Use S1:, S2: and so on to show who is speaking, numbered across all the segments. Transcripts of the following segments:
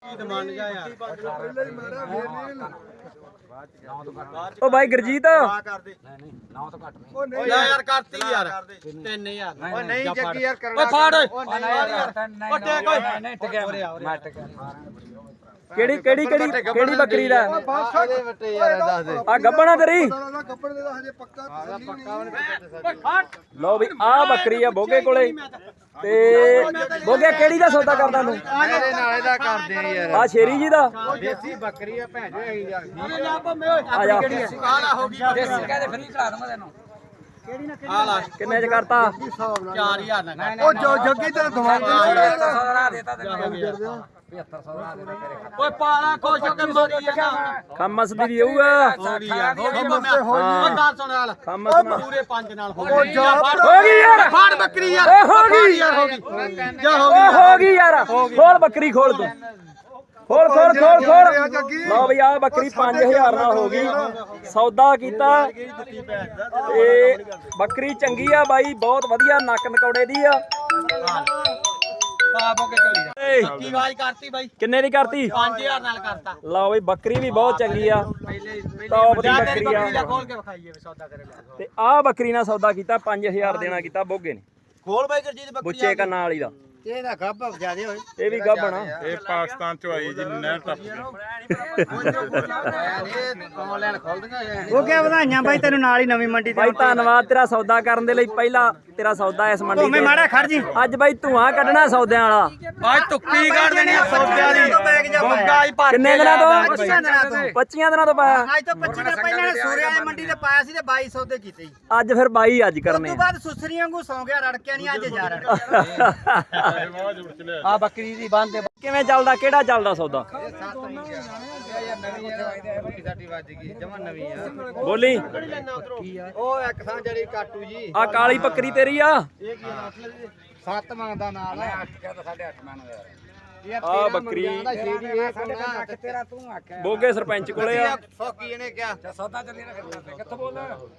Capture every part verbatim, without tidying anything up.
S1: ਮੰਨ ਜਾ ਯਾਰ
S2: ਉਹ ਬਾਈ ਗੁਰਜੀਤ
S1: ਕਰਦੇ
S3: ਨਹੀਂ ਨੌ ਤੋਂ ਘੱਟ ਨਹੀਂ
S1: ਓ ਨਹੀਂ ਯਾਰ ਕਰਤੀ ਯਾਰ ਤਿੰਨ ਹਜ਼ਾਰ
S3: ਓ
S1: ਨਹੀਂ ਜੱਗੀ ਯਾਰ
S3: ਓਏ ਫਾੜ ਓ
S1: ਨਹੀਂ ਯਾਰ
S3: ਓ ਟੇਕ ਓਏ ਨਹੀਂ ਟਿਕਿਆ ਮੈਂ ਟਿਕਿਆ
S2: ਕਿਹੜੀ ਕਿਹੜੀ ਕਿਹੜੀ ਕਿਹੜੀ ਬੱਕਰੀ ਦਾ
S1: ਇਹਦੇ ਵੱਟੇ ਯਾਰ ਦੱਸ ਦੇ
S2: ਆ ਗੱਬਣਾ ਤੇਰੀ
S1: ਕੱਪੜੇ ਦੇ ਹਜੇ ਪੱਕਾ ਪੱਕਾ
S2: ਲਓ ਵੀ ਆ ਬੱਕਰੀ ਆ ਬੋਗੇ ਕੋਲੇ ਤੇ ਬੋਗੇ ਕਿਹੜੀ ਦਾ ਸੌਦਾ ਕਰਦਾ ਤੂੰ
S1: ਇਹਦੇ ਨਾਲ ਇਹਦਾ ਕਰਦੇ ਆ ਯਾਰ
S2: ਆ ਸ਼ੇਰੀ ਜੀ ਦਾ
S1: ਦੇਸੀ ਬੱਕਰੀ ਆ ਭੈਣ ਜੋ ਹੈਗੀ ਯਾਰ
S2: ਆ ਜਾ
S1: ਆਲਾ ਹੋ ਗਈ
S3: ਦੇਸੀ ਕਹਿੰਦੇ ਫਰੀ ਖਿਲਾ ਦਵਾਂ ਤੈਨੂੰ
S1: ਆਲਾ
S2: ਕਿੰਨੇ ਚ ਕਰਤਾ
S1: ਚਾਰ ਹਜ਼ਾਰ ਨਾ ਉਹ ਜੋ ਜੱਗੀ ਤੇ ਦਿਮਾਗ
S3: ਸੌਦਾ ਦੇਤਾ ਤੈਨੂੰ ਪਝੱਤਰ ਸੌ ਦਾ ਦੇਤਾ ਤੇਰੇ ਖਾਤੇ
S1: ਓਏ ਪਾਲਾ ਖੁਸ਼ ਹੋ ਕੇ ਮਾਰੀ ਜਾਂਦਾ
S2: ਖਮਸ ਦੀ ਵੀ ਹੋਊਗਾ
S1: ਹੋ ਗਈ ਯਾਰ ਹੋ ਗਈ ਮੈਂ ਉਹ ਗੱਲ ਸੁਣ ਹਾਲ
S2: ਖਮਸ ਨਾ
S1: ਪੂਰੇ ਪੰਜ ਨਾਲ ਹੋ
S2: ਹੋ
S1: ਗਈ
S2: ਗਈ ਯਾਰ
S1: ਫਾੜ ਬੱਕਰੀ ਯਾਰ
S2: ਓਏ ਹੋ ਗਈ
S1: ਯਾਰ ਹੋ ਗਈ ਜਾ ਹੋ
S2: ਓਏ ਹੋ ਗਈ ਯਾਰ ਖੋਲ ਬੱਕਰੀ ਖੋਲ ਤੂੰ ਖੋਲ ਖੋਲ ਖੋਲ ਖੋਲ ਲਓ ਬਈ ਆ ਬੱਕਰੀ ਪੰਜ ਹਜ਼ਾਰ ਨਾਲ ਹੋ ਗਈ ਸੌਦਾ ਕੀਤਾ ਤੇ ਬੱਕਰੀ ਚੰਗੀ ਆ ਬਾਈ ਬਹੁਤ ਵਧੀਆ ਨੱਕ ਨਕੌੜੇ ਦੀ ਆ
S1: ਪਾ ਬੋਕੇ ਚਲੀ ਜਾ
S2: ਏ,
S1: ਕੀ ਆਵਾਜ਼ ਕਰਤੀ ਬਾਈ
S2: ਕਿੰਨੇ ਦੀ ਕਰਤੀ
S1: ਪੰਜ ਹਜ਼ਾਰ ਨਾਲ ਕਰਤਾ
S2: ਲਓ ਬਈ ਬੱਕਰੀ ਵੀ ਬਹੁਤ ਚੰਗੀ ਆ
S1: ਪਹਿਲੇ
S2: ਟੌਪ ਦੀ
S1: ਜਾ ਤੇਰੀ
S2: ਬੱਕਰੀ
S1: ਬੱਕਰੀ ਦਾ
S2: ਆ
S1: ਖੋਲ ਕੇ ਵਿਖਾਈਏ ਵੀ ਸੌਦਾ ਕਰੇ ਲੈ
S2: ਤੇ ਆ ਬੱਕਰੀ ਨਾਲ ਸੌਦਾ ਕੀਤਾ ਪੰਜ ਹਜ਼ਾਰ ਦੇਣਾ ਕੀਤਾ ਬੋਗੇ ਨੇ
S1: ਖੋਲ ਬਾਈ ਗੁਰਜੀਤ ਬੱਕਰੀ
S2: ਬੁੱਚੇ ਕੰਨਾਂ ਵਾਲੀ ਦਾ
S1: ਇਹਦਾ ਗੱਭ ਜਿਆਦੇ ਹੋਏ
S2: ਇਹ ਵੀ ਗੱਭਣਾ
S4: ਇਹ ਪਾਕਿਸਤਾਨ ਚੋਂ ਆਈ ਜੀ ਨਹਿਰ ਟੱਪ ਕੇ
S1: ਆਨਲਾਈਨ ਖੋਲ ਦਿੰਗਾ
S5: ਉਹ ਕਿਆ ਵਧਾਈਆਂ ਬਾਈ ਤੈਨੂੰ ਨਾਲ ਹੀ ਨਵੀਂ ਮੰਡੀ ਤੇ
S2: ਬਾਈ ਧੰਨਵਾਦ ਤੇਰਾ ਸੌਦਾ ਕਰਨ ਦੇ ਲਈ ਪਹਿਲਾ ਤੇਰਾ ਸੌਦਾ ਇਸ ਮੰਡੀ
S5: ਮੈਂ ਮਾੜਾ ਖੜ ਜੀ
S2: ਅੱਜ ਬਾਈ ਧੂਆਂ ਕੱਢਣਾ ਸੌਦਿਆਂ ਵਾਲਾ
S1: ਅੱਜ ਤੁੱਕੀ ਕੱਢ ਦੇਣੀ ਆ ਸੌਦਿਆਂ ਦੀ ਬੰਗਾ ਹੀ ਭਰ
S2: ਕਿੰਨੇ ਦਿਨਾਂ ਤੋਂ
S5: ਪੱਚੀਆਂ ਦਿਨਾਂ ਤੋਂ
S2: ਪੱਚੀਆਂ ਦਿਨਾਂ ਤੋਂ ਪਾਇਆ
S5: ਅੱਜ ਤੋਂ ਪੱਚੀ ਦਿਨ ਪਹਿਲਾਂ ਨੇ ਸੂਰੇ ਵਾਲੀ ਮੰਡੀ ਤੇ ਪਾਇਆ ਸੀ ਤੇ ਬਾਈ ਸੌ ਦੇ ਕੀਤੇ ਜੀ
S2: ਅੱਜ ਫਿਰ ਬਾਈ ਅੱਜ
S5: ਉਸ
S2: ਕਰਨੇ
S5: ਤੋਂ ਬਾਅਦ ਸੁਸਰੀਆਂ ਵਾਂਗੂ ਸੌਂ ਗਿਆ ਰੜਕਿਆ ਨਹੀਂ ਅੱਜ ਜਾ ਰੜ
S1: ਆ ਬੱਕਰੀ ਦੀ ਬੰਦ ਦੇ
S2: ਕਿਵੇਂ ਚੱਲਦਾ ਕਿਹੜਾ ਚੱਲਦਾ ਸੌਦਾ
S1: ਸਾਡੀ ਵੱਜ ਗਈ ਜਮਾ ਨਵੀਂ ਆ
S2: ਬੋਲੀ
S1: ਉਹ ਇੱਕ ਥਾਂ ਜਿਹੜੀ ਕਾਟੂ ਜੀ
S2: ਆ ਕਾਲੀ ਬੱਕਰੀ ਤੇਰੀ ਆ
S1: ਇਹ ਕੀ ਮਤਲਬ ਸੱਤ ਮੰਗਦਾ ਨਾਲ
S3: ਅੱਠ ਕਹਿੰਦਾ ਸਾਢੇ ਅੱਠ ਮੰਨ ਯਾਰ
S1: ਇਹ
S2: ਆ ਬੱਕਰੀ
S1: ਸ਼ੇਰੀ ਇਹ ਕੋਣਾ
S3: ਤੇਰਾ ਤੂੰ ਆਖਿਆ
S2: ਬੋਗੇ ਸਰਪੰਚ ਕੋਲੇ ਆ
S1: ਸੌਕੀ ਇਹਨੇ ਕਿਹਾ
S3: ਸੌਦਾ ਚੱਲੀ ਨਾ ਫਿਰ ਕਿੱਥੋਂ ਬੋਲ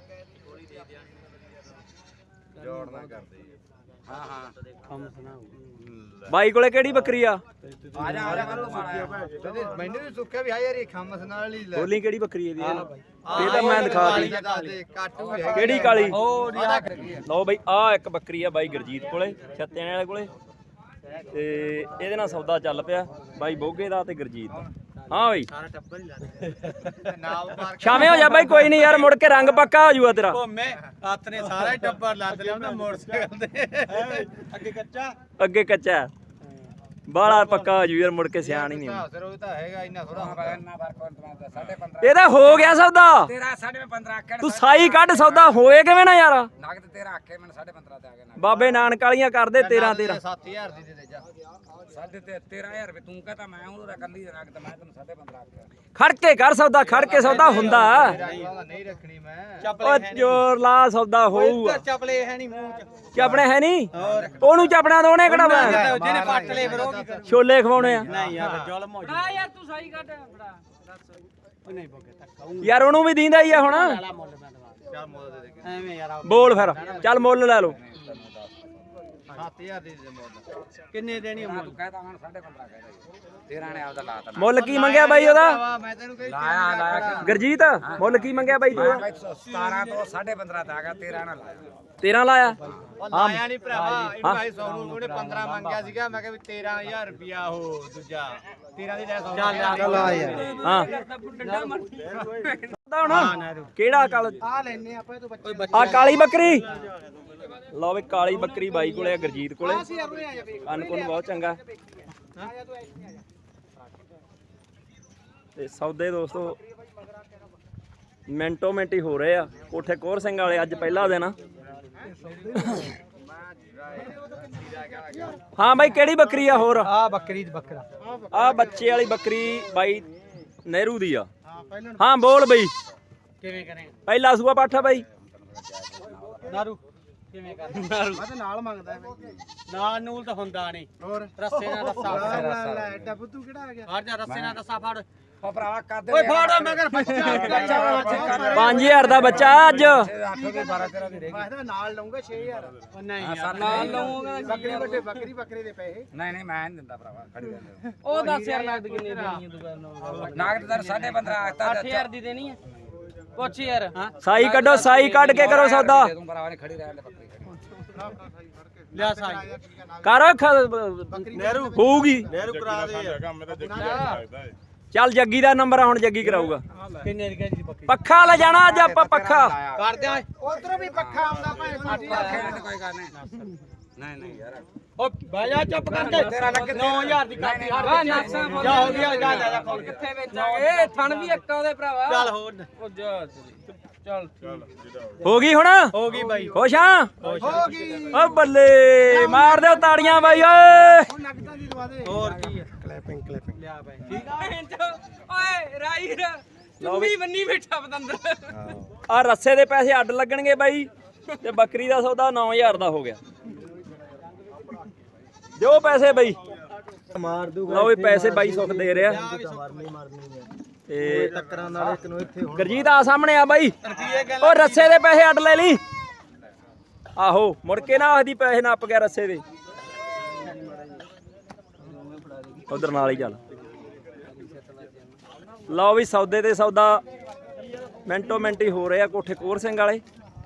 S1: ਜੋੜ ਨਾ ਕਰਦੇ ਹਾਂ ਹਾਂ
S2: ਬਾਈ ਕੋਲੇ ਕਿਹੜੀ ਬੱਕਰੀ ਆ
S3: ਆ ਜਾ ਆ ਜਾ ਤੂੰ ਮਾਰਾ
S1: ਤੇ ਮੈਨੂੰ ਵੀ ਸੁੱਕਿਆ ਵੀ ਆ ਯਾਰ ਇਹ ਖਮਸ ਨਾਲ ਹੀ ਲੈ
S2: ਬੋਲੀ ਕਿਹੜੀ ਬੱਕਰੀ ਇਹਦੀ ਇਹ ਤਾਂ ਮੈਂ ਦਿਖਾ ਦੀ
S1: ਕਾਟੂ ਹੈ
S2: ਕਿਹੜੀ ਕਾਲੀ
S1: ਉਹ
S2: ਲਓ ਬਈ ਆ ਇੱਕ ਬੱਕਰੀ ਆ ਬਾਈ ਗੁਰਜੀਤ ਕੋਲੇ ਛੱਤਿਆਂ ਵਾਲੇ ਕੋਲੇ ਤੇ ਇਹਦੇ ਨਾਲ ਸੌਦਾ ਚੱਲ ਪਿਆ ਬਾਈ ਬੋਗੇ ਦਾ ਤੇ ਗੁਰਜੀਤ ਦਾ ਹਾਂ ਬਈ
S1: ਸਾਰਾ ਟੱਬਰ ਹੀ ਲਾ ਨਾਲ ਪਾਰ
S2: ਸ਼ਾਮੇ ਹੋ ਜਾ ਬਾਈ ਕੋਈ ਨਹੀਂ ਯਾਰ ਮੁੜ ਕੇ ਰੰਗ ਪੱਕਾ ਹੋ ਜੂਗਾ ਤੇਰਾ
S1: ਘੁੰਮੇ ਹੱਥ ਨੇ ਸਾਰਾ ਹੀ ਟੱਬਰ ਲੱਦ ਲਿਆ ਉਹਨੇ ਮੋਟਰਸਾਈਕਲ ਤੇ ਅੱਗੇ ਕੱਚਾ
S2: ਅੱਗੇ ਕੱਚਾ ਬਾਲਾ ਪੱਕਾ ਹੋ ਜੂ ਯਾਰ ਮੁੜ ਕੇ ਸਿਆਣ ਹੀ ਨਹੀਂ
S1: ਸਰ ਉਹ ਤਾਂ ਹੈਗਾ ਇੰਨਾ ਥੋੜਾ
S3: ਇੰਨਾ ਫਰਕ ਸਾਢੇ ਪੰਦਰਾਂ
S2: ਇਹਦਾ ਹੋ ਗਿਆ ਸੌਦਾ
S3: ਤੇਰਾ ਸਾਢੇ ਪੰਦਰਾਂ ਆਖਿਆ
S2: ਤੂੰ ਸਾਈ ਕੱਢ ਸੌਦਾ ਹੋਏ ਕਿਵੇਂ ਨਾ ਯਾਰ
S3: ਨਗਦ ਤੇਰਾ ਆਖੇ ਮੈਨੂੰ ਸਾਢੇ ਪੰਦਰਾਂ ਤੇ ਆ ਗਿਆ ਨਗਦ
S2: ਬਾਬੇ ਨਾਨਕ ਵਾਲੀਆਂ ਕਰਦੇ ਤੇਰਾਂ ਤੇਰਾਂ
S1: ਸੱਤ ਹਜ਼ਾਰ ਦੀ ਦੇ ਦੇ ਜਾ
S3: ਸਾਢੇ ਤੇ ਤੇਰਾਂ ਹਜ਼ਾਰ ਰੁਪਏ ਤੂੰ ਕਹਤਾ ਮੈਂ ਉਹਦਾ ਕੱਲੀ ਨਗਦ ਮੈਂ ਤੈਨੂੰ ਸਾਢੇ ਪੰਦਰਾਂ ਆਖਿਆ
S2: ਖੜ ਕੇ ਕਰ ਸੌਦਾ ਖੜ ਕੇ ਸੌਦਾ ਹੁੰਦਾ
S1: ਨਹੀਂ ਰੱਖਣੀ ਮੈਂ
S2: ਓ ਜੋਰ ਲਾ ਸੌਦਾ ਹੋਊਗਾ
S1: ਚਪਲੇ ਹੈ ਨਹੀਂ ਮੂੰਹ ਚ
S2: ਚਾਪਣੇ ਹੈ ਨਹੀਂ ਉਹਨੂੰ ਚਾਪਣਾ ਦੋਣੇ ਕਿਹੜਾ ਮੈਂ
S1: ਜਿਹਨੇ ਪੱਟ ਲਏ ਫਿਰ ਉਹ ਕੀ ਕਰੂ
S2: ਛੋਲੇ ਖਵਾਉਣੇ ਆ
S1: ਨਹੀਂ ਯਾਰ ਜ਼ੁਲਮ ਹੋ ਜਾ ਯਾਰ ਤੂੰ ਸਹੀ ਕੱਢ ਬੜਾ ਉਹ ਨਹੀਂ ਬੋਗੇ ਧੱਕਾ
S2: ਯਾਰ ਉਹਨੂੰ ਵੀ ਦੀਂਦਾ ਹੀ ਆ ਹੁਣ
S1: ਚੱਲ ਮੁੱਲ ਦੇ ਦੇ ਐਵੇਂ ਯਾਰ
S2: ਬੋਲ ਫਿਰ ਚੱਲ ਮੁੱਲ ਲੈ ਲਓ
S1: ਸੱਤ ਹਜ਼ਾਰ ਦੀ ਦੇ ਮੁੱਲ ਕਿੰਨੇ ਦੇਣੀ ਮੁੱਲ
S3: ਤੂੰ ਕਹਤਾ ਹੁਣ ਸਾਢੇ ਪੰਦਰਾਂ ਕਹਿਦਾ ਤੇਰਾਂ ਨੇ ਆਪਦਾ ਲਾਤਾ
S2: ਮੁੱਲ ਕੀ ਮੰਗਿਆ ਬਾਈ ਉਹਦਾ
S1: ਮੈਂ ਤੈਨੂੰ ਕਹੀ
S3: ਲਾਇਆ ਲਾਇਆ
S2: ਗੁਰਜੀਤ ਮੁੱਲ ਕੀ ਮੰਗਿਆ ਬਾਈ ਤੂੰ
S3: ਸਤਾਰਾਂ ਤੋਂ ਸਾਢੇ ਪੰਦਰਾਂ ਤੇ ਆ ਗਿਆ ਤੇਰਾਂ ਨਾਲ ਲਾਇਆ
S2: ਤੇਰਾਂ ਲਾਇਆ
S1: ਉਹ ਲਾਇਆ ਨਹੀਂ ਭਰਾਵਾ ਇਹਨੂੰ ਭਾਈ ਸੌ ਨੂੰ ਉਹਨੇ ਪੰਦਰਾਂ ਮੰਗਿਆ ਸੀਗਾ ਮੈਂ ਕਿਹਾ ਵੀ ਤੇਰਾਂ ਹਜ਼ਾਰ ਰੁਪਿਆ ਉਹ ਦੂਜਾ ਤੇਰਾਂ ਦੀ ਲੈ ਸੌ ਚੱਲ ਆ ਯਾਰ
S2: ਹਾਂ ਹੁਣ ਕਿਹੜਾ ਕਾਲ
S1: ਆ ਲੈਨੇ ਆਪਾਂ ਇਹ ਤੋਂ ਬੱਚੇ
S2: ਆ ਕਾਲੀ ਬੱਕਰੀ ਲਓ ਵੀ ਕਾਲੀ ਬੱਕਰੀ ਬਾਈ ਕੋਲੇ ਆ ਗੁਰਜੀਤ ਕੋਲੇ ਅਨਕੁਨ ਬਹੁਤ ਚੰਗਾ ਤੇ ਸੌਦੇ ਦੋਸਤੋ ਮਿੰਟੋ ਮਿੰਟ ਹੀ ਹੋ ਰਹੇ ਆ ਕੋਠੇ ਕੋਰ ਸਿੰਘ ਵਾਲੇ ਅੱਜ ਪਹਿਲਾ ਦਿਨ ਆ ਹਾਂ ਬਾਈ ਕਿਹੜੀ ਬੱਕਰੀ ਆ ਹੋਰ
S1: ਆ ਬੱਕਰੀ ਦੀ ਬੱਕਰਾ
S2: ਆ ਬੱਚੇ ਵਾਲੀ ਬੱਕਰੀ ਬਾਈ ਨਹਿਰੂ ਦੀ ਆ ਹਾਂ ਬੋਲ ਬਈ
S1: ਕਿਵੇਂ ਕਰੇ
S2: ਪਹਿਲਾ ਸੂਆ ਪਾਠਾ ਬਾਈ
S1: ਨਾਰੂ ਕਿਵੇਂ ਕਰ ਨਾਰੂ ਮੈਂ ਤਾਂ ਨਾਲ ਮੰਗਦਾ ਨਾਲ ਨੂਲ ਤਾਂ ਹੁੰਦਾ ਨਹੀਂ ਹੋਰ ਰੱਸੇ ਨਾਲ ਰੱਸਾ
S5: ਲੈ ਐਡਾ ਬੁੱਧੂ ਕਿਹੜਾ ਆ ਗਿਆ
S1: ਹਟ ਜਾ ਰੱਸੇ ਨਾਲ ਰੱਸਾ ਫੜ
S3: ਉਹ ਭਰਾਵਾ ਕੱਦ
S5: ਓਏ ਫਾੜ ਮੈਂ ਕਰ ਬੱਚਾ
S2: ਪੰਜ ਹਜ਼ਾਰ ਦਾ ਬੱਚਾ ਅੱਜ
S3: ਅੱਠ ਦੇ ਬਾਰਾਂ ਤੇਰਾਂ ਦੀ ਰਹਿ ਗਈ
S5: ਮੈਂ ਨਾਲ ਲਊਂਗਾ ਛੇ ਹਜ਼ਾਰ ਉਹ ਨਹੀਂ
S3: ਹਾਂ,
S5: ਯਾਰ
S3: ਸੱਤ
S5: ਨਾਲ
S3: ਨਹੀਂ
S5: ਲਊਂਗਾ ਬੱਕਰੀ ਵੱਡੇ ਬੱਕਰੀ ਬੱਕਰੇ ਦੇ ਪੈਸੇ
S3: ਨਹੀਂ ਨਹੀਂ ਮੈਂ ਨਹੀਂ ਦਿੰਦਾ ਭਰਾਵਾ ਖੜੀ ਰਹਿ
S6: ਉਹ ਦਸ ਹਜ਼ਾਰ ਨਗਦ ਕਿੰਨੀ ਦੇਣੀ ਹੈ ਦੁਕਾਨ ਨੂੰ
S3: ਨਾਗਦ ਦਰ ਸਾਢੇ ਪੰਦਰਾਂ ਆਖਤਾ
S6: ਅੱਠ ਹਜ਼ਾਰ ਦੀ ਦੇਣੀ ਹੈ ਪੁੱਛ ਯਾਰ
S2: ਸਾਈ ਕੱਢੋ ਸਾਈ ਕੱਢ ਕੇ ਕਰੋ ਸੌਦਾ
S3: ਤੂੰ ਭਰਾਵਾ ਨੇ ਖੜੀ ਰਹਿ ਲੈ ਬੱਕਰੀ ਖੜੀ
S5: ਲਿਆ ਸਾਈ
S2: ਕਰ
S5: ਨਹਿਰੂ
S2: ਹੋਊਗੀ
S5: ਨਹਿਰੂ ਕਰਾ ਦੇ ਯਾਰ
S4: ਕੰਮ ਤਾਂ ਜੱਗੀ ਲੱਗਦਾ ਹੈ
S2: ਚੱਲ ਜੱਗੀ ਦਾ ਨੰਬਰ ਆ ਹੁਣ ਜੱਗੀ ਕਰਾਊਗਾ
S5: ਕਿੰਨੇ ਦੀ ਕਹਿੰਦੀ ਬੱਕਰੀ
S2: ਪੱਖਾ ਲੈ ਜਾਣਾ ਅੱਜ ਆਪਾਂ ਪੱਖਾ
S5: ਕਰ ਦਿਆਂ ਉਧਰੋਂ ਵੀ ਪੱਖਾ ਆਉਂਦਾ ਭਾਵੇਂ ਸਾਡੀ
S3: ਕੋਈ ਗੱਲ ਨਹੀਂ ਨਹੀਂ ਨਹੀਂ ਯਾਰ
S5: ਓ ਬਹਿ ਜਾ ਚੁੱਪ ਕਰਕੇ ਤੇਰਾ ਲੱਗ ਨੌ ਹਜ਼ਾਰ ਦੀ ਕਾਪੀ ਹਰ
S6: ਆ ਨਕਸ਼ਾ
S5: ਜਾ ਹੋ ਗਿਆ ਜਾ ਲੈ ਜਾ ਖੋਲ ਕੇ
S6: ਕਿੱਥੇ ਵੇਚਾਂਗੇ ਥਣ ਵੀ ਇੱਕ ਉਹਦੇ ਭਰਾਵਾ
S5: ਚੱਲ ਹੋਰ
S6: ਉਹ ਜਾ ਚੱਲ
S4: ਚੱਲ ਜਿਹੜਾ
S2: ਹੋ ਗਈ ਹੁਣ
S5: ਹੋ ਗਈ ਬਾਈ
S2: ਖੁਸ਼ ਆ
S5: ਹੋ ਗਈ
S2: ਓ ਬੱਲੇ ਮਾਰ ਦਿਓ ਤਾੜੀਆਂ ਬਾਈ ਓਏ
S5: ਨਗਦਾਂ ਦੀ ਦਵਾ ਦੇ ਹੋਰ ਕੀ ਹੈ ਕਲੈਪਿੰਗ ਕਲੈਪਿੰਗ ਲਿਆ ਬਾਈ ਠੀਕ
S6: ਓਏ ਰਾਈਰ ਤੂੰ ਵੀ ਬੰਨੀ ਬੈਠਾ ਪਤੰਦਰ
S2: ਆ ਰੱਸੇ ਦੇ ਪੈਸੇ ਅੱਡ ਲੱਗਣਗੇ ਬਾਈ ਤੇ ਬੱਕਰੀ ਦਾ ਸੌਦਾ ਨੌ ਹਜ਼ਾਰ ਦਾ ਹੋ ਗਿਆ ਦਿਓ ਪੈਸੇ ਬਾਈ
S5: ਮਾਰ ਦੂਗਾ
S2: ਲਓ ਵੀ ਪੈਸੇ ਬਾਈ ਸੁੱਖ ਦੇ ਰਿਹਾ
S5: ਮਾਰਨੀ ਮਾਰਨੀ ਹੈ
S2: ਤੇ
S5: ਟੱਕਰਾਂ ਨਾਲ ਇੱਕ ਨੂੰ ਇੱਥੇ
S2: ਗਰਜੀਤ ਆ ਸਾਹਮਣੇ ਆ ਬਾਈ ਉਹ ਰੱਸੇ ਦੇ ਪੈਸੇ ਅੱਡ ਲੈ ਲਈ ਆਹੋ ਮੁੜ ਕੇ ਨਾ ਆਖਦੀ ਪੈਸੇ ਨੱਪ ਗਿਆ ਰੱਸੇ ਦੇ ਉਧਰ ਨਾਲ ਹੀ ਚੱਲ ਲਓ ਵੀ ਸੌਦੇ ਤੇ ਸੌਦਾ ਮਿੰਟੋ ਮਿੰਟ ਹੀ ਹੋ ਰਿਹਾ ਕੋਠੇ ਕੋਰ ਸਿੰਘ ਵਾਲੇ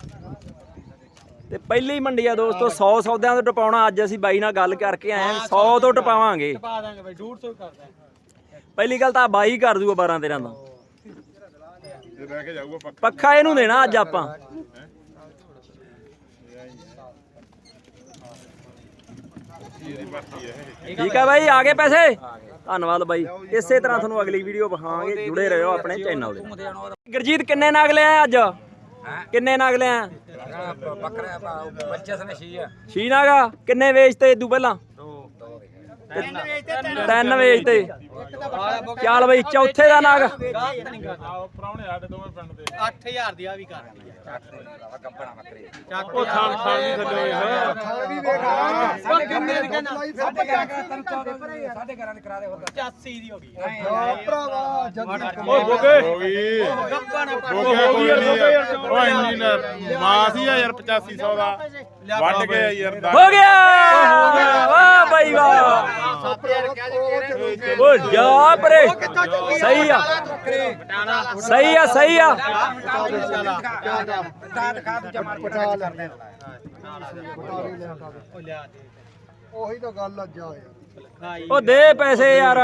S2: ਤੇ ਪਹਿਲੀ ਮੰਡੀ ਆ ਦੋਸਤੋ ਸੌ ਸੌਦਿਆਂ ਤੋਂ ਟਪਾਉਣਾ ਅੱਜ ਅਸੀਂ ਬਾਈ ਨਾਲ ਗੱਲ ਕਰਕੇ ਆਏ ਆ ਸੌ ਤੋਂ ਟਪਾਵਾਂਗੇ
S5: ਪਾ ਦਾਂਗੇ ਬਾਈ ਡੇਢ ਸੌ ਕਰਦਾ
S2: ਪਹਿਲੀ ਗੱਲ ਤਾਂ ਬਾਈ ਕਰ ਦੂਗਾ ਬਾਰਾਂ ਤੇਰਾਂ ਦਾ
S4: ਇਹ ਰਹਿ ਕੇ ਜਾਊਗਾ ਪੱਕਾ
S2: ਪੱਖਾ ਇਹਨੂੰ ਦੇਣਾ ਅੱਜ ਆਪਾਂ
S4: ਇਹਦੀ ਭਰਤੀ ਹੈ ਇਹ
S2: ਠੀਕ ਆ ਬਾਈ ਆ ਗਏ ਪੈਸੇ ਧੰਨਵਾਦ ਬਾਈ ਇਸੇ ਤਰ੍ਹਾਂ ਤੁਹਾਨੂੰ ਅਗਲੀ ਵੀਡੀਓ ਵਿਖਾਵਾਂਗੇ ਜੁੜੇ ਰਹੋ ਆਪਣੇ ਚੈਨਲ ਦੇ ਗੁਰਜੀਤ ਕਿੰਨੇ ਨਗ ਲਿਆ ਅੱਜ ਕਿੰਨੇ ਨਗ ਲਿਆ
S3: ਬੱਕਰਾ ਬੱਚੇ ਸਨੇ ਛੀ ਆ
S2: ਛੀ ਨਾਗਾ ਕਿੰਨੇ ਵੇਚਤੇ ਇਦੋਂ ਪਹਿਲਾਂ ਤਿੰਨ ਵੇਚਤੇ ਚੱਲ ਬਈ ਚੌਥੇ ਦਾ ਨਗ
S4: ਆਓ ਪ੍ਰਾਹੁਣੇ ਸਾਡੇ ਦੋਵੇਂ ਪਿੰਡ ਦੇ
S5: ਅੱਠ ਹਜ਼ਾਰ ਦੀ ਆ ਵੀ ਕਰ
S3: ਗੱਬਣਾ ਬੱਕਰੀ
S4: ਉਹ ਥਾਂ ਥਾਂ ਵੀ ਥੱਲੇ ਹੋਏ ਹੋਏ
S5: ਥਾਂ ਵੀ ਵੇਖ ਉਹ ਕਿੰਨੇ ਦੀ ਕਹਿੰਦਾ
S3: ਸਾਡੇ ਘਰਾਂ ਦੇ ਕਰਾ ਦੇ ਹੋਰ
S5: ਪਚਾਸੀ ਦੀ ਹੋ ਗਈ
S3: ਭਰਾਵਾ
S4: ਓ ਗੋਗੇ ਹੋ ਗਈ
S5: ਗੱਪਾ ਨਾ ਪੜ
S4: ਹੋ ਗਈ ਓ ਇੰਜੀਨੀਅਰ ਮਾਸ ਹੀ ਆ ਯਾਰ ਪਚਾਸੀ ਸੌ ਦਾ ਵੱਢ ਕੇ ਯਾਰ
S2: ਹੋ ਗਿਆ ਵਾਹ ਬਾਈ ਵਾਹ
S1: ਸੱਤ ਹਜ਼ਾਰ ਕਿਹਾ ਜੀ ਕਿਹੜੇ
S2: ਓ ਜਾ ਪਰੇ ਸਹੀ ਆ ਸਹੀ ਆ ਸਹੀ ਆ
S3: ਦਾਦ ਖਾ ਦੂਜਾ ਮਾਰ ਪਟਾ ਕਰਦੇ
S5: ਉਹ ਲਿਆ ਦੇ
S7: ਉਹੀ ਤਾਂ ਗੱਲ ਆ ਜਾ ਯਾਰ
S2: ਉਹ ਦੇ ਪੈਸੇ ਯਾਰ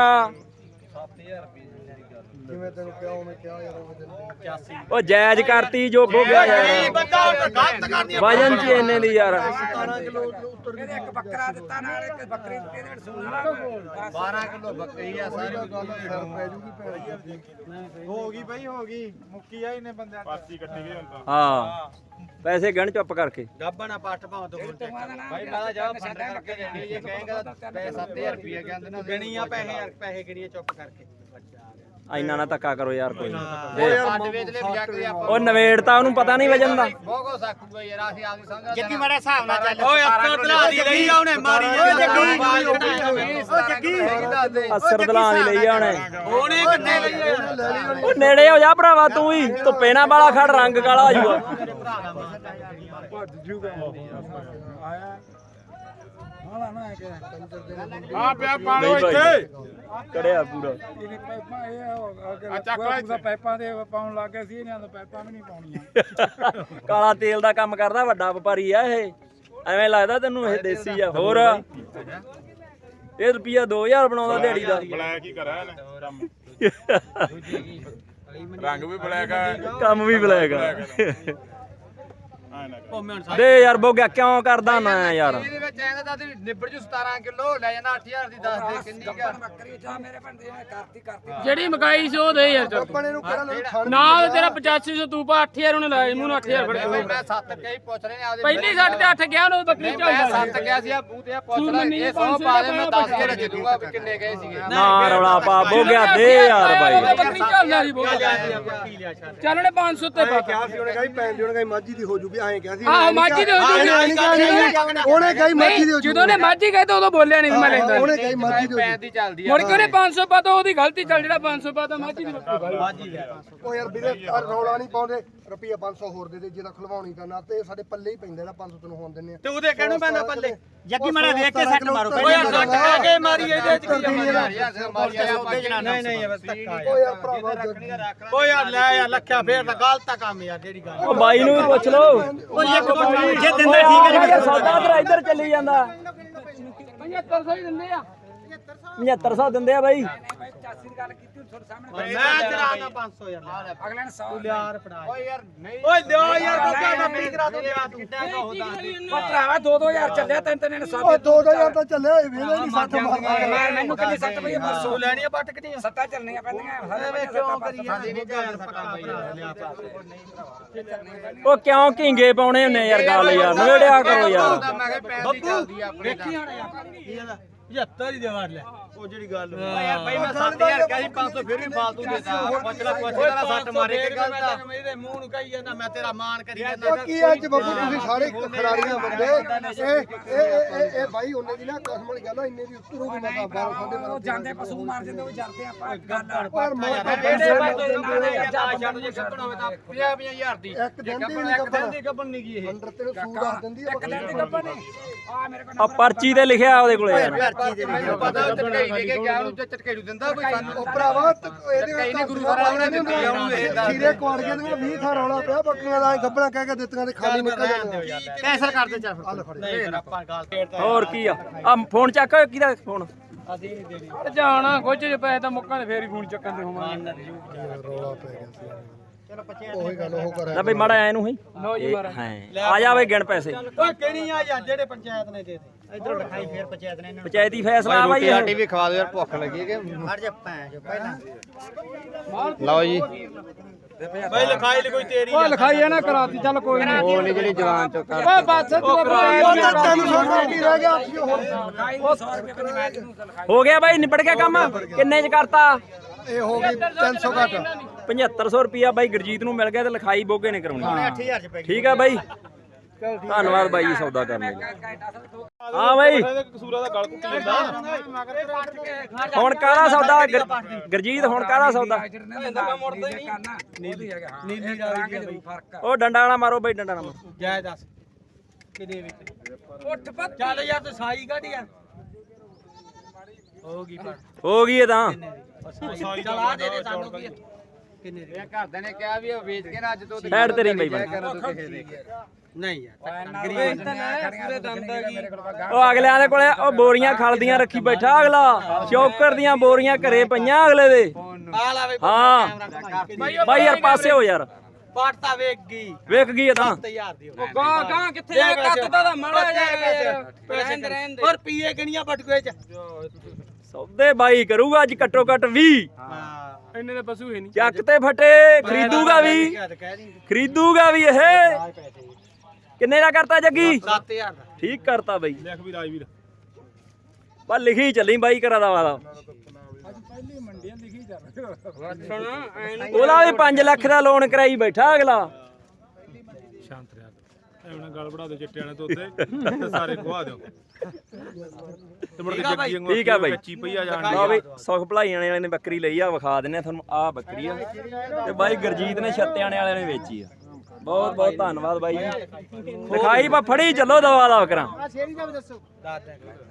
S7: ਜਿਵੇਂ ਤੈਨੂੰ ਕਿਹਾ ਉਹਨੇ ਕਿਹਾ ਯਾਰ ਉਹ ਦਿਨ
S2: ਉਹ ਜਾਇਜ਼ ਕਰਤੀ ਜੋ ਹੋ ਗਿਆ ਯਾਰ
S5: ਬੰਦਾ ਗਲਤ ਕਰਦੀ
S2: ਵਜਨ ਚ ਇੰਨੇ ਦੀ ਯਾਰ
S7: ਸਤਾਰਾਂ ਕਿਲੋ ਉੱਤਰ
S3: ਇਹਨੇ ਇੱਕ ਬੱਕਰਾ ਦਿੱਤਾ ਨਾਲ ਇੱਕ ਬੱਕਰੀ ਦਿੱਤੀ ਇਹਦੇ ਵਿੱਚ ਸੂਣ ਵਾਲਾ
S1: ਬਾਰਾਂ ਕਿਲੋ ਬੱਕਰੀ ਆ ਸਾਰੀ
S7: ਗੱਲ ਸਿਰ ਪੈ ਜੂਗੀ ਭੈਣ
S5: ਹੋ ਗਈ ਬਾਈ ਹੋ ਗਈ ਮੁੱਕੀ ਆ ਇਹਨੇ ਬੰਦਿਆਂ
S4: ਪਰਚੀ ਕੱਟੀ ਗਈ ਹੁਣ ਤਾਂ
S2: ਹਾਂ ਪੈਸੇ ਗਣ ਚੁੱਪ ਕਰਕੇ
S5: ਗੱਬਾ ਨਾ ਪੱਟ ਭਾਵੇਂ ਦੋ ਫੁੱਟ
S1: ਭਾਈ ਮੈਂ ਤਾਂ ਜਾ ਫੰਡ ਕਰਕੇ ਜਾਂਦੀ ਜੇ ਕਹੇਗਾ ਪੈਸੇ ਸੱਤ ਹਜ਼ਾਰ ਰੁਪਏ ਕਹਿੰਦੇ ਨਾ
S5: ਗਣੀਆਂ ਪੈਸੇ ਯਾਰ ਪੈਸੇ ਗਿਣੀਏ ਚੁੱਪ ਕਰਕੇ
S2: ਇੰਨਾ ਨਾ ਧੱਕਾ ਕਰੋ ਯਾਰ ਕੋਈ
S1: ਅੱਡ ਵੇਚ ਲੈ ਵੀ ਜਾ ਕੇ ਆਪਾਂ
S2: ਉਹ ਨਵੇੜਤਾ ਉਹਨੂੰ ਪਤਾ ਨਹੀਂ ਵਜਨ ਦਾ
S1: ਬਹੁਤ ਕੋ ਸਾਕੂਗਾ ਯਾਰ ਅਸੀਂ ਆਪਦੀ ਸਮਝ
S5: ਜੱਗੀ ਮਾੜਾ ਹਿਸਾਬ ਨਾਲ ਚੱਲ ਓਏ ਅੱਖਾਂ ਤਲਾ ਦੀ ਲਈ ਆ ਉਹਨੇ ਮਾਰੀ ਓਏ ਜੱਗੀ ਓ ਜੱਗੀ
S2: ਅਸਰ ਦਲਾਂ ਦੀ ਲਈ ਆ ਉਹਨੇ
S5: ਉਹਨੇ ਕਿੰਨੇ ਲਈ
S2: ਉਹ ਨੇੜੇ ਹੋ ਜਾ ਭਰਾਵਾ ਤੂੰ ਵੀ ਧੁੱਪੇ ਨਾ ਵਾਲਾ ਖੜ ਰੰਗ ਕਾਲਾ ਹੋ ਜਾਊਗਾ
S4: ਆ ਪਿਆ ਪਾਣੀ
S2: ਨਹੀਂ ਭਾਈ।
S4: ਇੱਥੇ
S2: ਕੜਿਆ ਪੂਰਾ
S4: ਆ ਚੱਕ ਲੈ ਇੱਥੇ
S3: ਪਾਈਪਾਂ ਦੇ ਪਾਉਣ ਲੱਗ ਗਏ ਸੀ ਇਹਨਾਂ ਨੂੰ ਪਾਈਪਾਂ ਵੀ ਨਹੀਂ ਪਾਉਣੀਆਂ
S2: ਕਾਲਾ ਤੇਲ ਦਾ ਕੰਮ ਕਰਦਾ ਵੱਡਾ ਵਪਾਰੀ ਆ ਇਹ ਐਵੇਂ ਲੱਗਦਾ ਤੈਨੂੰ ਇਹ ਦੇਸੀ ਆ ਹੋਰ ਇਹ ਰੁਪਿਆ ਦੋ ਹਜ਼ਾਰ ਬਣਾਉਂਦਾ ਦਿਹਾੜੀ ਦਾ
S4: ਬਲੈਕ ਹੀ ਕਰਿਆ ਇਹਨੇ ਕੰਮ ਰੰਗ ਵੀ ਬਲੈਕ ਆ
S2: ਕੰਮ ਵੀ ਬਲੈਕ ਆ
S4: ਆ ਨਾ ਕਰ।
S2: ਦੇ ਯਾਰ ਬੋਗਿਆ ਕਿਉਂ ਕਰਦਾ ਨਾ ਯਾਰ
S1: ਇਹਦੇ ਵਿੱਚ ਐਂਦਾ ਤਾਂ ਨਿਬੜ ਜੂ ਸਤਾਰਾਂ ਕਿਲੋ ਲੈ ਜਾਣਾ ਅੱਠ ਹਜ਼ਾਰ ਦੀ ਦੱਸ ਦੇ ਕਿੰਨੀ ਕਾ
S3: ਬੱਕਰੀ ਜਾ ਮੇਰੇ ਬੰਦੇ ਨੇ ਕਰਤੀ ਕਰਤੀ
S6: ਜਿਹੜੀ ਮਕਾਈ ਸੀ ਉਹ ਦੇ ਯਾਰ ਚੱਲ
S7: ਆਪਣੇ ਨੂੰ ਕਿਹੜਾ ਲੈ ਖੜ
S6: ਨਾ ਤੇਰਾ ਪਚਾਸੀ ਸੌ ਤੂੰ ਪਾ ਅੱਠ ਹਜ਼ਾਰ ਉਹਨੇ ਲਾਇਆ ਮੂੰਹ ਨੂੰ ਅੱਠ ਹਜ਼ਾਰ ਫੜਿਆ
S1: ਭਾਈ ਮੈਂ ਸੱਤ ਕਹੀ ਪੁੱਛ ਰਹੇ ਨੇ ਆਪਦੇ
S6: ਪਹਿਲੀ ਸਾਡੇ ਤੇ ਅੱਠ ਗਿਆ ਉਹਨੂੰ ਬੱਕਰੀ
S1: ਨਹੀਂ, ਮੈਂ
S6: ਝਾਲਦਾ
S1: ਸੱਤ ਕਿਹਾ ਸੀ ਆ ਬੂਹ ਤੇ ਆ ਪੁੱਛ
S6: ਤੂੰ
S1: ਲੈ
S6: ਮੰਨੀ
S1: ਇਹ
S6: ਪੰਜ
S1: ਸੌ
S6: ਸੌ
S1: ਪਾ ਦੇ
S6: ਦਾ
S1: ਮੈਂ ਦੱਸ ਕੇ ਦੇ ਦੂੰਗਾ ਵੀ ਕਿੰਨੇ ਗਏ ਸੀਗੇ
S2: ਨਾ ਰੌਲਾ ਪਾ ਬੋਗਿਆ ਦੇ ਯਾਰ ਬਾਈ
S6: ਬੱਕਰੀ ਝਾਲਦਾ ਸੀ ਬਹੁਤ
S5: ਬੱਕੀ ਲਿਆ ਛੱਡ
S6: ਚੱਲ ਉਹਨੇ ਪੰਜ ਸੌ ਤੇ ਪਾ
S7: ਕਿਹਾ ਸੀ ਉਹਨੇ ਕਹੀ ਪੈਣ ਦੀ ਉਹਨੇ ਕਹੀ ਮਾਝੀ ਦੀ ਹੋ ਜੂਗੀ ਐਂ ਕਿਹਾ ਸੀ
S6: ਆਹ ਮਾਝੀ ਦੇ ਹੋ ਜੂਗੀ
S7: ਉਹਨੇ ਕਹੀ ਮਰਜ਼ੀ ਦਿਓ
S6: ਜਦੋਂ ਨੇ ਮਾਝੀ ਕਹੇ ਤਾਂ ਉਦੋਂ ਬੋਲਿਆ ਨਹੀਂ ਮੈਂ ਲੈਂਦਾ
S7: ਉਹਨੇ ਕਹੀ ਮਰਜ਼ੀ ਦਿਓ
S1: ਪੈਣ ਦੀ ਚੱਲਦੀ ਆ
S6: ਮੁੜ ਕੇ ਉਹਨੇ ਪੰਜ ਸੌ ਪਾਤਾ ਉਹਦੀ ਗਲਤੀ ਚੱਲ ਜਿਹੜਾ ਪੰਜ ਸੌ ਪਾਤਾ ਮਾਝੀ ਦੀ ਬੱਕਰੀ
S7: ਉਹ ਯਾਰ ਵੀਰੇ ਆਹ ਰੌਲਾ ਨਹੀਂ ਪਾਉਂਦੇ ਰੁਪਈਆ ਪੰਜ ਸੌ ਹੋਰ ਦੇ ਦੇ ਜਿਹਦਾ ਖਲਵਾਉਣੀ ਕਰਨਾ ਤੇ ਸਾਡੇ ਪੱਲੇ ਹੀ ਪੈਂਦਾ ਜਿਹੜਾ ਪੰਜ ਸੌ ਤੈਨੂੰ ਹੋਣ ਦਿੰਨੇ ਆ
S5: ਤੇ ਉਹਦੇ ਕਹਿਣੋਂ ਪੈਂਦਾ ਪੱਲੇ
S7: ਜੱਗੀ ਮਾੜਾ ਵੇਖ ਕੇ ਸੱਟ ਮਾਰੋ
S5: ਓਏ ਯਾਰ ਸੱਟ ਕਹਿ ਕੇ ਮਾਰੀ ਇਹਦੇ ਚ ਕੀ
S7: ਨਹੀਂ ਨਹੀਂ ਬਸ ਧੱਕਾ ਓ ਯਾਰ ਭਰਾਵਾ ਜੱਗੀ
S5: ਓ ਯਾਰ ਲੈ ਯਾਰ ਲੱਖਿਆ ਫੇਰ ਤਾਂ ਗਲਤ ਕੰਮ ਯਾਰ ਜਿਹੜੀ ਗੱਲ
S2: ਉਹ ਬਾਈ ਨੂੰ ਵੀ ਪੁੱਛ ਲਓ
S5: ਓ ਇੱਕ ਜੇ ਦਿੰਦਾ ਠੀਕ ਹੈ
S2: ਯਾਰ ਸੌਦਾ ਤੇਰਾ ਇੱਧਰ ਚੱਲੀ ਜਾਂਦਾ
S6: ਪਝੱਤਰ ਸੌ ਹੀ ਦਿੰਦੇ ਆ
S2: ਪਝੱਤਰ ਸੌ ਦਿੰਦੇ ਆ ਬਾਈ
S3: ਪਚਾਸੀ ਦੀ ਗੱਲ ਕੀਤੀ ਤੁਹਾਡੇ ਸਾਹਮਣੇ
S5: ਮੈਂ ਚਲਾਣਾ ਪੰਜ ਸੌ ਯਾਰ
S3: ਅਗਲੇ ਨੇ ਸੌ
S5: ਯਾਰ ਫੜਾ
S1: ਓਏ ਯਾਰ ਨਹੀਂ
S5: ਓਏ ਦਿਓ ਯਾਰ ਬੱਕਾ ਬੱਕਰੀ ਕਰਾ ਦੋ ਲਿਆ ਤੂੰ
S3: ਉਹ ਭਰਾਵਾ ਦੋ ਦੋ ਹਜ਼ਾਰ ਚੱਲਿਆ ਤਿੰਨ ਤਿੰਨ ਨੇ ਸੱਤ
S7: ਓ ਦੋ ਦੋ ਹਜ਼ਾਰ ਤਾਂ ਚੱਲਿਆ ਇਹ ਵੇਲੇ ਨਹੀਂ ਸੱਟ ਮਾਰਦਾ
S3: ਮੈਂ ਮੈਨੂੰ ਕਿੰਨੀ ਸੱਤ ਪਈ ਪਰਸੋਂ
S5: ਲੈਣੀ ਆ ਪੱਟ ਕਿੰਨੀ ਆ
S3: ਸੱਤਾਂ ਚੱਲਣੀਆਂ ਪੈਂਦੀਆਂ
S5: ਐਵੇਂ ਕਿਉਂ ਕਰੀ ਜਾਂਦੇ ਨਹੀਂ ਯਾਰ ਪੱਕਾ ਲਿਆ
S2: ਉਹ ਕਿਉਂ ਘਿੰਗੇ ਪਾਉਣੇ ਹੁੰਨੇ ਯਾਰ ਗੱਲ ਯਾਰ ਨਵੇੜਿਆ ਕਰੋ ਯਾਰ
S1: ਮੈਂ ਕਿਹਾ ਪੈਣ ਦੀ ਚੱਲਦੀ ਆ ਆਪਣੇ
S5: ਵੇਖੀ ਹੁਣ ਯਾਰ ਪਝੱਤਰ ਹੀ ਦੇ ਵੜ ਲੈ ਉਹ ਜਿਹੜੀ ਗੱਲ
S1: ਓ ਯਾਰ ਬਾਈ ਮੈਂ ਸੱਤ ਹਜ਼ਾਰ ਕਿਹਾ ਸੀ ਪੰਜ ਸੌ ਫਿਰ ਵੀ ਫਾਲਤੂ ਦੇਤਾ ਪੁੱਛ ਲੈ ਪੁੱਛ ਲੈ ਸੱਟ ਮਾਰੇ ਕਿ ਗਲਤ ਆ
S5: ਮੇਰੇ ਮੂੰਹ ਨੂੰ ਕਹੀ ਜਾਂਦਾ ਮੈਂ ਤੇਰਾ ਮਾਨ ਕਰੀ
S7: ਓ
S5: ਜਾਂਦਾ
S7: ਕੀ ਅੱਜ ਬੱਬੂ ਤੁਸੀਂ ਸਾਰੇ ਖਿਡਾਰੀਆਂ ਬੰਦੇ ਇਹ ਇਹ ਇਹ ਇਹ ਬਾਈ ਉਹਨੇ ਦੀ ਨਾ ਕਸਮ ਵਾਲੀ ਗੱਲ ਆ ਇੰਨੇ ਦੀ ਉਤਰੂਗੀ ਮੈਂ ਤਾਂ ਬਾਰਾਂ ਸਾਢੇ ਬਾਰਾਂ
S3: ਉਹ ਜਾਂਦੇ ਪਸ਼ੂ ਮਾਰ ਜਾਂਦੇ ਉਹ ਜਰਦੇ ਆਪਾਂ ਗੱਲ
S7: ਪਰ ਮੈਂ
S1: ਜਿਹੜੇ ਪਾਸੇ ਛੱਡ ਜੇ ਕੱਢਣਾ ਹੋਵੇ ਤਾਂ ਪੰਜਾਹ ਪੰਜਾਹ ਹਜ਼ਾਰ ਦੀ
S7: ਇੱਕ ਦਿਨ ਦੀ ਨਹੀਂ ਕੱਪੜਾ
S5: ਦੀ ਗੱਬਨ ਨਹੀਂ ਗਈ ਇਹ
S7: ਅੰਦਰ ਤੇਰੇ ਸੂਦ ਦੱਸ ਦਿੰਦੀ ਆ
S3: ਆ ਮੇਰੇ ਕੋਲ
S2: ਆ ਪਰਚੀ ਤੇ ਲਿਖਿਆ ਉਹਦੇ ਕੋਲੇ ਯਾਰ
S1: ਮੈਨੂੰ ਪਤਾ ਉਹ ਝਟਕਾਈ ਦੇ ਕੇ ਗਿਆ ਉਹਨੂੰ ਝਟਕਾਈ ਦਿੰਦਾ ਕੋਈ ਸਾਨੂੰ
S7: ਉਹ ਭਰਾਵਾ ਤ- ਇਹਦੇ
S1: ਕਈ ਨੇ ਗੁਰੂ ਸਾਹਿਬ ਨੇ ਦਿੱਤੀ ਆ ਉਹਨੂੰ ਇਹ ਦੱਸ
S7: ਸੀਰੇ ਕੁਆੜ ਕੇ ਤੇ ਵੀਹ ਥਾਂ ਰੌਲਾ ਪਿਆ ਬੱਕਰੀਆਂ ਦਾ ਗੱਬਣਾ ਕਹਿ ਕੇ ਦਿੱਤੀਆਂ ਤੇ ਖਾਲੀ ਨਿਕਲ ਜਾਂਦੇ
S5: ਕੈਂਸਲ ਕਰ ਦੇ ਚੱਲ
S7: ਹੱਲ ਫੜ
S5: ਨਹੀਂ ਆਪਾਂ ਗੱਲ
S2: ਹੋਰ ਕੀ ਆ ਆ ਫੋਨ ਚੱਕ ਕਿਹਦਾ ਫੋਨ
S6: ਜਾਣਾ ਕੁਝ ਜੇ ਪੈਸੇ ਤਾਂ ਮੁੱਕਾਂ ਤੇ ਫੇਰ ਹੀ ਫੋਨ ਚੱਕਣ ਦੇ ਹੋਵਾਂਗੇ
S7: ਰੌਲਾ ਪੈ ਗਿਆ ਸੀ ਉਹੀ ਗੱਲ ਉਹ ਕਰ
S2: ਲੈ ਬਈ ਮਾੜਾ ਐ ਨੂੰ ਹੀ
S6: ਲਓ ਜੀ ਮਾਰਾ
S2: ਹਾਂ ਆ ਜਾ ਬਈ ਗਿਣ ਪੈਸੇ
S5: ਓਏ ਕਿਹੜੀ ਆ ਯਾਰ ਜਿਹੜੇ ਪੰਚਾਇਤ ਨੇ ਦੇ ਦੇ ਇਧਰੋਂ ਲਿਖਾਈ ਫੇਰ ਪੰਚਾਇਤ ਨੇ ਇਹਨਾਂ
S2: ਪੰਚਾਇਤੀ ਫੈਸਲਾ ਆ ਬਾਈ ਇਹ।
S1: ਰੋਟੀ ਵੀ ਖਵਾ ਦਿਓ ਯਾਰ ਭੁੱਖ ਲੱਗੀ ਕਿ
S5: ਹਟ ਜਾ ਭੈਣ ਜੋ ਪਹਿਲਾਂ
S1: ਲਓ ਜੀ
S5: ਬਈ ਲਿਖਾਈ ਲਈ ਕੋਈ ਤੇਰੀ
S6: ਉਹ ਲਿਖਾਈ ਆ ਨਾ ਕਰਾਤੀ ਚੱਲ ਕੋਈ ਨਹੀਂ
S1: ਉਹ ਨਹੀਂ ਜਿਹੜੀ ਜਵਾਨ ਚੋਂ ਕਰ
S6: ਓਏ ਬਸ ਤੂੰ
S7: ਉਹ ਤਾਂ ਤਿੰਨ ਸੌ ਰੁਪਏ ਰਹਿ ਗਿਆ ਸੀ ਹੋਰ
S3: ਸੌ ਰੁਪਏ ਕਹਿੰਦੇ ਮੈਂ ਤੈਨੂੰ ਲਿਖਾਈ
S2: ਹੋ ਗਿਆ ਬਾਈ ਨਿਬੜ ਗਿਆ ਕੰਮ ਕਿੰਨੇ ਚ ਕਰਤਾ
S7: ਇਹ ਹੋ ਗਈ ਤਿੰਨ ਸੌ ਘੱਟ
S2: ਪਝੱਤਰ ਸੌ ਰੁਪਿਆ ਬਾਈ ਗੁਰਜੀਤ ਨੂੰ ਮਿਲ ਗਿਆ ਤੇ ਲਿਖਾਈ ਬੋਗੇ ਨੇ ਕਰਾਉਣੀ
S5: ਅੱਠ ਹਜ਼ਾਰ ਚ ਪੈ
S2: ਠੀਕ ਆ ਬਾਈ ਧੰਨਵਾਦ ਬਾਈ ਜੀ ਸੌਦਾ ਕਰਨ ਲਈ ਹਾਂ ਬਾਈ
S4: ਕਸੂਰਾ ਦਾ ਗਲ ਕੁੱਟ ਲੈਂਦਾ
S2: ਹੁਣ ਕਾਹਦਾ ਸੌਦਾ ਗੁਰ- ਗੁਰਜੀਤ ਹੁਣ ਕਾਹਦਾ ਸੌਦਾ
S3: ਨੀਲੀ ਹੈਗਾ ਹਾਂ ਨੀਲੀ ਦਾ ਫਰਕ ਆ
S2: ਉਹ ਡੰਡਾ ਨਾ ਮਾਰੋ ਬਾਈ ਡੰਡਾ ਨਾ ਮਾਰੋ
S5: ਜਾਇ ਦੱਸ ਕਿਦੇ ਵਿੱਚ
S3: ਉੱਠ ਪੱਤ
S5: ਚੱਲ ਯਾਰ ਤੂੰ ਸਾਈ ਕੱਢ ਯਾਰ ਹੋ ਗਈ ਪਰ
S2: ਹੋ ਗਈ ਇਹ ਤਾਂ
S5: ਚਲ ਆ ਦੇ ਦੇ ਸਾਨੂੰ ਕੀ ਕਿੰਨੇ ਦੀ
S1: ਇਹ ਘਰਦਿਆਂ ਨੇ ਕਿਹਾ ਵੀ ਉਹ ਵੇਚ ਕੇ ਨਾ ਅੱਜ ਤੋਂ
S2: ਸਾਈਡ ਤੇ ਰਹੀ ਬਾਈ ਬਣ।
S5: ਨਹੀਂ ਯਾਰ
S3: ਗਰੀਬ ਪੂਰੇ ਦੰਦ ਹੈਗੀ
S2: ਉਹ ਅਗਲਿਆਂ ਦੇ ਕੋਲੇ ਉਹ ਬੋਰੀਆਂ ਖਲਦੀਆਂ ਰੱਖੀ ਬੈਠਾ ਅਗਲਾ ਚੌਕਰ ਦੀਆਂ ਬੋਰੀਆਂ ਘਰੇ ਪਈਆਂ ਅਗਲੇ ਦੇ
S5: ਆ ਲਾ ਵੇ
S2: ਹਾਂ ਬਾਈ ਯਾਰ ਪਾਸੇ ਹੋ ਯਾਰ
S5: ਪਾਟ ਤਾਂ ਵੇਖ ਗਈ
S2: ਵੇਖ ਗਈ ਇਹ ਤਾਂ
S5: ਹਜ਼ਾਰ ਦੀ
S6: ਉਹ ਗਾਂ ਗਾਂ ਕਿੱਥੇ ਆ ਕੱਦ ਦਾ ਮਾੜਾ ਜਾਏਗਾ ਯਾਰ ਰਹਿਣ ਦੇ ਰਹਿਣ ਦੇ
S5: ਔਰ ਪੀਏ ਕਿੰਨੀਆਂ ਬਟੂਏ ਚ
S2: ਸੌਦੇ ਬਾਈ ਕਰੂਗਾ ਅੱਜ ਘੱਟੋ ਘੱਟ ਵੀਹ
S5: ਹਾਂ
S6: ਇੰਨੇ ਦੇ ਪਸ਼ੂ ਹੀ ਨਹੀਂ
S2: ਚੱਕ ਤੇ ਫਟੇ ਖਰੀਦੂਗਾ ਵੀ
S5: ਕਹਿ ਦੀ
S2: ਖਰੀਦੂਗਾ ਵੀ ਇਹ ਕਿੰਨੇ ਦਾ ਕਰਤਾ ਜੱਗੀ
S5: ਸੱਤ ਹਜ਼ਾਰ ਦਾ
S2: ਠੀਕ ਕਰਤਾ ਬਾਈ
S4: ਲਿਖ ਵੀ ਰਾਜਵੀਰ
S2: ਬਾ ਲਿਖੀ ਚੱਲੀ ਬਾਈ ਕਰਾ ਦਾ ਵਾਦਾ
S6: ਸੁਣਾ ਐਨ
S2: ਉਹਦਾ ਵੀ ਪੰਜ ਲੱਖ ਦਾ ਲੋਨ ਕਰਾਈ ਬੈਠਾ ਅਗਲਾ
S4: ਸ਼ਾਂਤ ਰਿਹਾ ਐਵੇਂ ਨਾ ਗਲ ਬੜਾ ਦੇ ਚਿੱਟੇ ਵਾਲੇ ਤੋਂ ਉੱਤੇ ਤੇ ਸਾਰੇ ਖਵਾ ਦਿਓ ਤੇ ਮੁੜ ਕੇ ਜੱਗੀ ਵਾਂਗੂ
S2: ਠੀਕ ਆ ਬਾਈ।
S4: ਕੱਚੀ ਪਈ ਆ ਜਾਣ
S2: ਲਓ ਵੀ ਸੁਖ ਭਲਾਈ ਵਾਲੇ ਨੇ ਬੱਕਰੀ ਲਈ ਆ ਵਿਖਾ ਦਿੰਨੇ ਆ ਤੁਹਾਨੂੰ ਆ ਬੱਕਰੀ ਆ ਤੇ ਬਾਈ ਗੁਰਜੀਤ ਨੇ ਛੱਤਿਆਣੇ ਵਾਲੇ ਨੇ ਵੇਚੀ ਆ ਬਹੁਤ ਬਹੁਤ ਧੰਨਵਾਦ ਬਾਈ ਜੀ ਲਿਖਾਈ ਬਾ ਫੜੀ ਚੱਲੋ ਦਵਾ ਦਾ ਕਰਾਂ
S5: ਦੱਸ ਦੇ